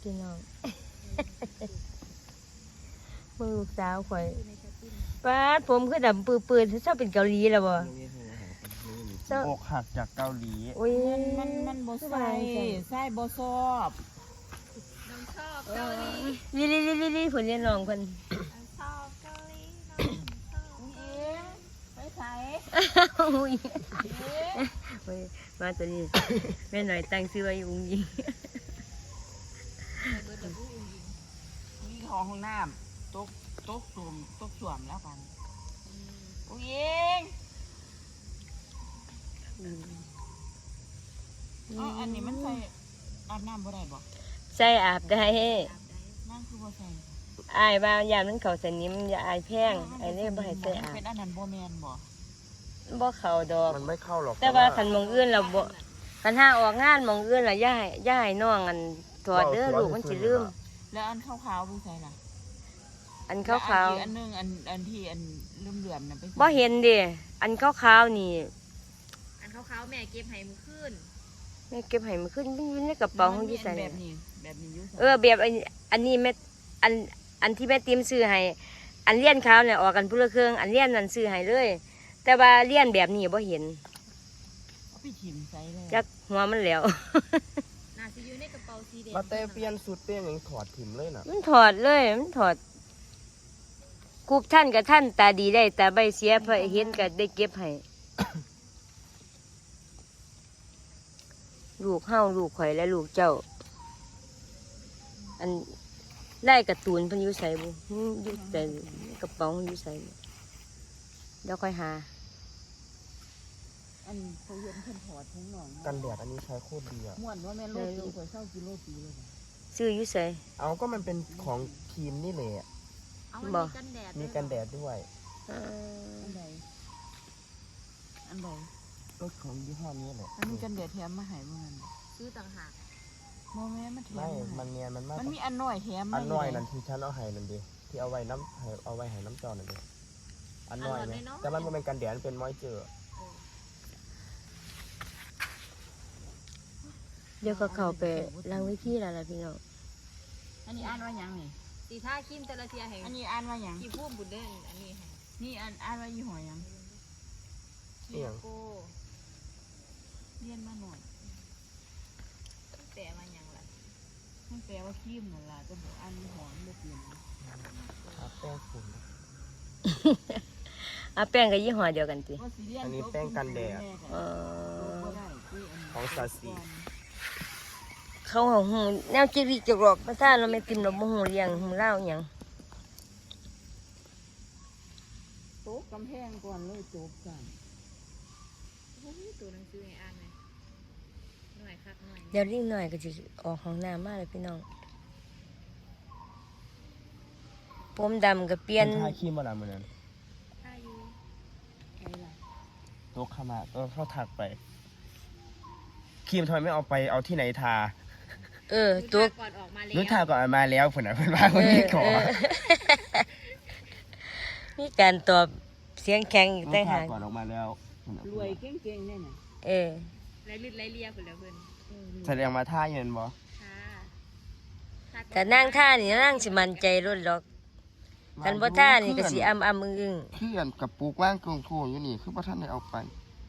พี่น้องเมื่อลูกสาวข่อยป้าดผมคือดำปื้อๆชอบเป็นเกาหลีแล้วบ่อกหักจากเกาหลีโอ้ยมันบ่ใส่บ่ชอบน้องชอบเกาหลีลิผลเรียนน้องเพิ่นชอบเกาหลีน้องชอบไปใส่อุ้ยมาตัวนี้แม่หน่อยตั้งชื่อว่าอุ้งยิงมีห้องน้ำตกสวมแล้วกันอุ้งยิงอันนี้มันใส่อาบน้ำบ่ได้บ่ใส่อาบได้นั่นคือบ่ใส่อายว่ายามมันเข้าสนิมอย่าอายแพงไอ้นี่บ่ให้ใส่อาบเป็นอันนั้นบ่แม่นบ่เข้าดอกมันไม่เข้าหรอกแต่ว่าคันมองอื่นเราบ่คันห้าออกงานมองอื่นล่ะย่าให้น้องอันถอดเด้อลูกมันสิลืมแล้วอันขาวๆบ่ใส่ล่ะอันขาวๆอันนึงอันที่อันเหลื่อมๆน่ะไปบ่เห็นเด้อันขาวๆนี่อันขาวๆแม่เก็บให้มื้อคืนแม่เก็บให้มันขึ้นอยู่ในกระเป๋าของอยู่ใส่แบบนี้อยู่แบบอันนี้แม่อันที่แม่ติมซื้อให้อันเลี้ยนขาวเนี่ยออกกันพุ่นละเครื่องอันเลี้ยนนั่นซื้อให้เลยแต่ว่าเลี้ยนแบบนี้บ่เห็นเอาไปถิ่มใส่เลยจักหัวมันแล้วน่าสิอยู่ในกระเป๋าสีแดงมาแต่เปลี่ยนสุดเปลี่ยนอย่างถอดถิ่มเลยน่ะมันถอดเลยมันถอดกูท่านกับท่านตาดีได้แต่ใบเสียพอเห็นก็ได้เก็บให้ ลูกเฮาลูกข่อยและลูกเจ้าอันได้การ์ตูนเพิ่นอยู่ใส่บ่อยู่แต่กระเป๋าอยู่ใส่เดี๋ยวค่อยหาอันเขาเห็นเพิ่นถอดทั้งน้องกันแดดอันนี้ใช้โคตรดีอ่ะม่วนว่าแม่โลดข่อยเช่ากิโลปีเลยซื้ออยู่ใส่เอาก็มันเป็นของครีมนี่แหละบ่มีกันแดดด้วยอันใดรถของยี่ห้อนี้แหละอันนี้กันแดดแถมมาให้บ่งั้นซื้อต่างหากบ่แม่มันแถมไม่มันเนียนมันมีอันน้อยแถมอันน้อยนั่นที่ฉันเอาให้นั่นดิที่เอาไว้ให้น้ำจอนั่นดิอันน้อยนะแต่มันเป็นกันแดดเป็นมอยเจอร์เดี๋ยวก็เข้าไปล้างวิธีแล้วล่ะพี่น้องอันนี้อ่านว่าหยังนี่สีท่าคิมแต่ละเทียให้อันนี้อ่านว่าหยังกี่พุ่มบุญเด้ออันนี้ให้นี่อ่านว่ายี่ห้อหยังโก้เรียนมาหน่อยแปลว่าหยังล่ะมันแปลว่าครีมนั่นล่ะจะบอกอันยี่ห้อมันบ่เปลี่ยนแป้งฝุ่นแป้งกับยี่ห้อเดียวกันติอันนี้แป้งกันแดดของซาซิเขาหูแนวจิริจกรอกภาษาเราไม่ติมเราบ่ฮู้เรียงฮู้เล่าหยังโต๊ะกำแพงก่อนเลยจบกันตัวหนังสือให้อ่านเลยหน่อยคักหน่อยเดี๋ยวรีบหน่อยก็จะออกห้องน้ำมาเลยพี่น้องผมดำกับเปลี่ยนทาครีมอะไรเหมือนกันทาอยู่ใครล่ะโต๊ะเข้ามาเข้าถักไปครีมทำไมไม่เอาไปเอาที่ไหนทาตัวก่อนออกมาแล้วนึกทาก่อนมาแล้วผุนเพื่อนบ้านคนนี้ขอนี่การตอบเสียงแข็งอีกต่างหากก่อนออกมาแล้วรวยเก่งๆเนี่ยนะไรลิดไรเลียผุนแล้วเพื่อนแสดงมาท่าเย็นบ่แต่นั่งท่านี่นั่งสิมันใจรุ่นหรอกกันบ่ท่านี่ก็สิอึ้งเพื่อนกับปูกว่างกงโถอยู่นี่คือพระท่านได้เอาไป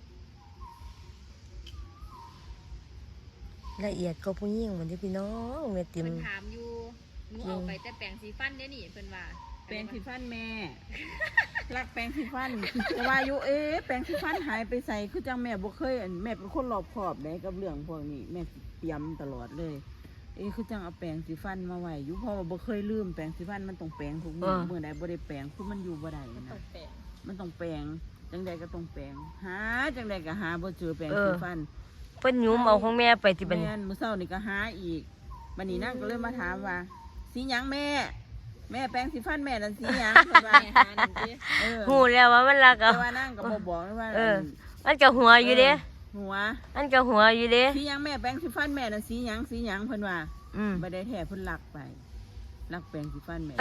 ละเอียดก็ผู้หญิงเหมือนที่พี่น้องแม่ติ๋มเพิ่นถามอยู่หนูเอาไปแต่แปรงสีฟันเด้นี่เพิ่นว่าแปรงสีฟันแม่รักแปรงสีฟันแต่ว่าอยู่แปรงสีฟันหายไปใส่คือจังแม่บ่เคยแม่เป็นคนรอบคอบได้กับเรื่องพวกนี้แม่เตรียมตลอดเลยคือจังเอาแปรงสีฟันมาไว้อยู่เพราะว่าบ่เคยลืมแปรงสีฟันมันต้องแปรงทุกมื้อมื้อใดบ่ได้แปรงคือมันอยู่บ่ได้นะมันต้องแปรงจังใดก็ต้องแปรงหาจังใดก็หาบ่เจอแปรงสีฟันเพิ่นยุ้มเอาของแม่ไปที่บัดนี้มื้อเช้านี่ก็หาอีกบัดนี้นั่งก็เลยมาถามว่าสีหยังแม่แปรงสีฟันแม่นั่นสีหยังเพิ่นว่าหานั่นสิฮู้แล้วว่ามันรักเอาแต่ว่านั่งก็บ่บอกว่ามันก็หัวอยู่เด้หัวมันก็หัวอยู่เด้สีหยังแม่แปรงสีฟันแม่นั่นสีหยังเพิ่นว่าบ่ได้แท้เพิ่นลักไปลักแปรงสีฟันแม่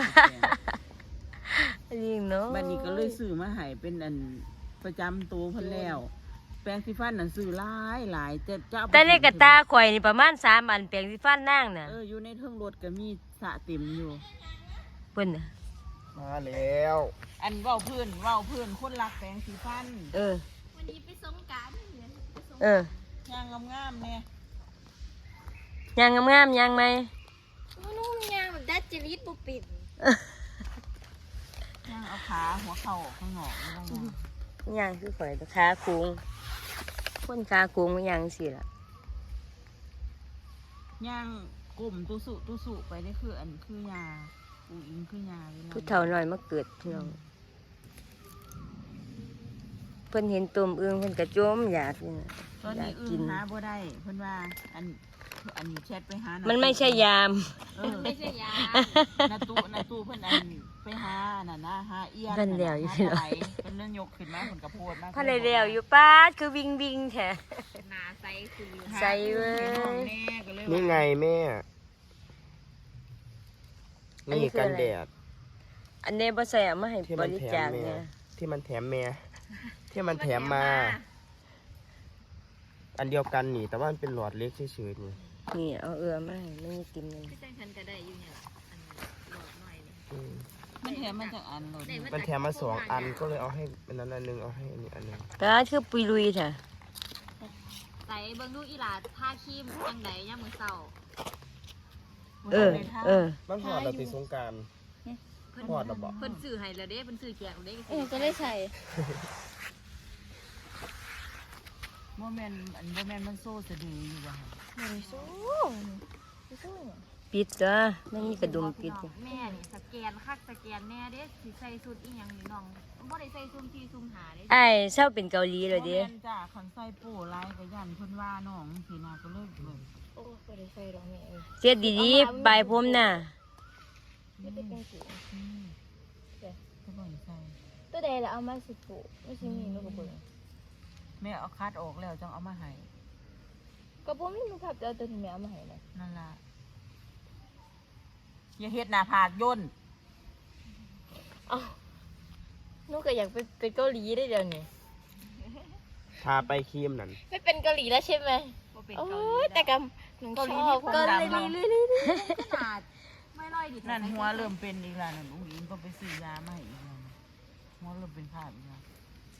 จริงเนาะบัดนี้ก็เลยซื้อมาให้เป็นอันประจำตัวเพิ่นแล้วแปรงสีฟันน่ะซื้อหลายจะเอาไปแต่ในกระตาข่อยนี่ประมาณ3อันแปรงสีฟันนางน่ะอยู่ในเทิงรถก็มีสระเต็มอยู่เพิ่นน่ะมาแล้วอันเว้าพื้นคนรักแปรงสีฟันวันนี้ไปสงกรานต์เนี่ยไปสงกเอรานอต์ย่างงามๆเนี่ยยางงามๆยางไหมนุ่มยางแบบดัดจริตบุปิดย่างเอาขาหัวเข่าออกข้างนอกไม่ต้องย่างยางคือข่อยขาโค้งคนขาโค้งมันยางสิล่ะย่างกลุ่มตุสุไปได้คืออันคือยาปูอิงคือยาลผู้เฒ่าน้อยมาเกิดพี่น้องเพิ่นเห็นตุ่มอึ่งเพิ่นกระโจมอยากนี่น่ะตอนนี้อยากกิอื่นนหาบ่ได้เพิ่นว่าอันนี้แชทไปหามัมันไม่ใช่ยามไม่ใช่ยานาตู้เพิ่นไปหาน่ะนะหาเอียนเพิ่นแล้วอยู่พี่พี่น้องเพิ่นเล่นยกขึ้นมาเพิ่นกระโพดมาพันได้แล้วอยู่ป้าดคือวิ่งวิ่งแท้หนาใสคือใส่เว้ยแน่ก็เลยนี่ไงแม่ นี่กันแดดอันนี้บ่ใส่เอามาให้ที่บมันริแถจาม คแม่เนี่ยที่มันแถมแม่ที่มันแถมมา อันเดียวกันนี่ แต่ว่ามันเป็นหลอดเล็กเฉยๆนี่นี่เอามาให้ไม่มีติมเลยพี่แจ้งฉันก็ได้อยู่เนี่ยล่ะอันหลอดหน่อยนี่อืมมันแถมมาจากอันโหลดมันแถมมา2 อันก็เลยเอาให้อันนั้นอันหนึงเอาให้อันนี้อันหนึงป้าดคือปุยลุยแท้ใส่เบิ่งดูอีหลาทาครีมจังไดยามมื้อเช้ามันหอดเราติดสงกรารเพิ่นหอดเราบอกเพิ่นซื้อให้แล้วเด้เพิ่นซื้อแจกแล้วเด้ก็ได้ใส่โมเมนมันโซ่สะดืออยู่ว่ะไม่ได้สู้ไม่สู้ปิดจ้ะไม่มีกระดุมปิดจ้ะแม่นี่สแกนคักสแกนแน่เด้สิใส่สูตรอีหยังนี่น้องบ่ได้ใส่ซุ่มที่ซุ่มหาเด้ไอ้ายเศร้าเป็นเกาหลีเลยเด้โมเมนจ้าขันใส่โป้ไล่กับยันเพิ่นว่าน้องสีนาก็เลยเลยโอ้ไม่ได้ใส่ดอกแม่เอ้ยเสียดีๆใบผมน่ะไม่ได้เป็นสีก็บ่อยใส่ตัวใดละเอามาสิปุไม่ใช่มีลูกกระเบื้องแม่เอาคัดออกแล้วจังเอามาให้กระปุกนี่มันขับจะเอาตัวที่แม่เอามาให้นะนั่นล่ะอย่าเฮ็ดหน้าผากย่นอ้าวนูก็อยากเป็นเกาหลีได้เดี๋ยวนี้ทาไปครีมนั่นไม่เป็นเกาหลีแล้วใช่ไหมบ่เป็นโอ้เกาหลียแต่กำหนูชอบเกาหลีขนาดไม่ร้อยดินั่นหัวเริ่มเป็นอีกแล้วนั่นอุ้งอิงก็ไปซื้อยามาให้อีกแล้วหัวเริ่มเป็นภาพอีกแล้ว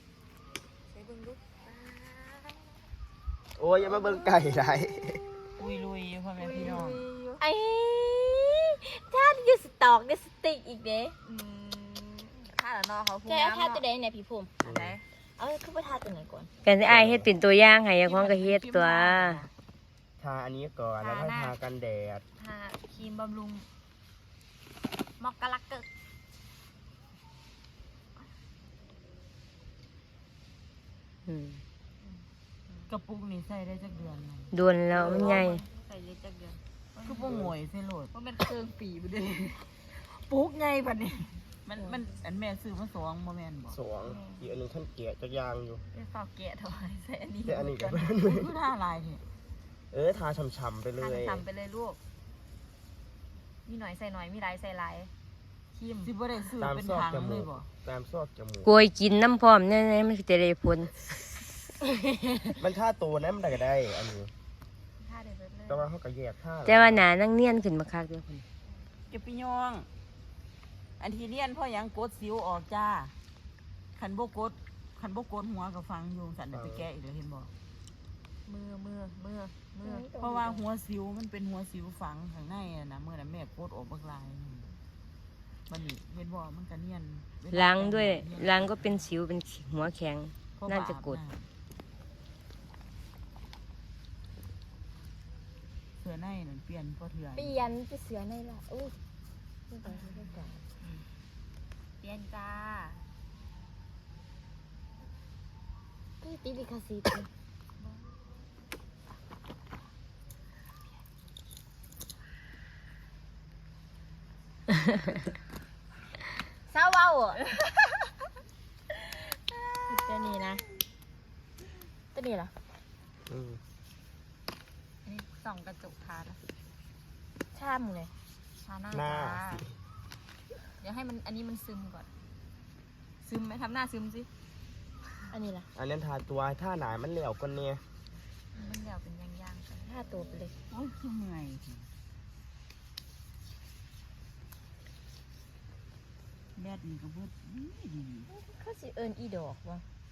โอ้ยอย่ามาเบิ่งไก่ไรอุ้ยลุยพ่อแม่พี่น้องไอ้ท่านยูสตอกยูสติกอีกเด้ถ้าละเนาะเขาพูดใจเอาท่าตัวใดเนี่ยพี่ผมอันไหนเอาคือว่าท่าตัวไหนก่อนกันไอ้ายเฮ็ดเป็นตัวอย่างให้ของก็เฮ็ดตัวทาอันนี้ก่อนแล้วก็ทากันแดดทาครีมบำรุงมอกกะลักเกอร์อืมกระปุกนี่ใส่ได้จักเดือนหนึ่งโดนแล้วมันใหญ่ใส่เยอะจักเดือนคือบ่งวยใส่โหลดเพราะมันเครื่องปีบ่ได้ปุกไงบัดนี้มันอันแม่ซื้อมาสองบ่แม่นบ่สองอีกอันหนึงท่านเกะจะยางอยู่ไปฝากแกะถวายใส่อันนี้แต่อันนี้ก็คือท่าลายนี่ทาช่ำๆไปเลทานยทำไปเลยลูก มีหน่อยใส่หน่อย มีหลายใส่หลายครีมสิบ่ได้ซื้อตามเป็นซอกถังจเลมูยกบ่ตามซอกจมูกโกยกินน้ำพร้อมแน่ๆมันจะได้ผลมันท่าตัวนั้นมันได้ก็ได้ อันนี้ท่าเด็ดเลยแต่ว่าเขาก็แยกท่าแต่ว่าหนานั่งเนียนขึ้นมาคักเด้อคนจะพี่น้อง อันที่เรียนพ่อหยังกดสิวออกจ้าคันบ่กดหัวก็ฟังอยู่สั่นได้ไปแก้อีกแล้วเห็นบ่มือเพราะว่าหัวสิวมันเป็นหัวสิวฝังข้างในอะนะเมื่อนั้นแม่กดออกบักลายมันนี่เห็นบ่มันก็เนียนล้างด้วยล้างก็เป็นสิวเป็นหัวแข็งเพราน่าจะกดบาปเสื้อในนั่นเปลี่ยนพอเถื่อนเปลี่ยนไปเสือในละอู้ไม่ได้ไม่ได้เปลี่ยนจ้าก็ตีลิคาซีต เศร้าเว้าอ่ะตัวนี้นะตัวนี้เหรออืมอันนี้ส่องกระจกทาแล้วช่ำเลยทาหน้าหน้าจ้าเดี๋ยวให้มันอันนี้มันซึมก่อน ซึมไหมทำหน้าซึมสิอันนี้ล่ะอันนั้นทาตัวท่าหนามันเหลวกว่าเนี่ยมันแล้วเป็นย่างๆกันถ้าตัวไปเลยโอ้ยคือเมื่อยแดดนี่ก็เบิดดีเขาสิเอิ้นอีดอกบ่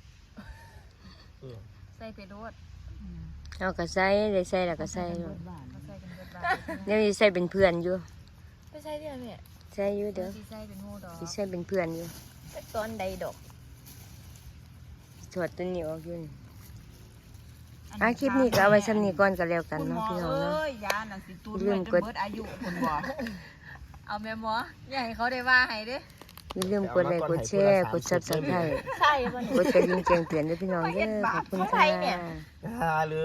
ใส่ไปโดดเอาก็ใส่ได้ใส่แล้วก็ใส่เบิเนาะดบ้านเขาใส่เป็นเบิดบาทเดี๋ยวสิใส่เป็นเพื่อนอยู่ไปใส่เด้อแม่ใส่อยู่เด้อสิใส่เป็นหมู่ดอกสิใส่เป็นเพื่อนอยู่ไปตอนใดดอกถอดตัวนี้ออกอยู่นี่คลิปนี้ก็เอาไว้ซ้ำนี้ก่อนก็แล้วกันคุณหมเนาะอพี่น้องเอ้เนาะยยาน่ะสิตูดลืไว้มจกนดเบิดอายุคุณบ่เอาแม่หมออย่าให้เขาได้ว่าให้เด้อย่าลืมกดไลค์กดแชร์กด Subscribe ใช่บ่นี่กดกระดิ่งแจ้งเตือนด้วยพี่น้องเด้อขอบคุณของใครค่ะเนี่ยหาเลย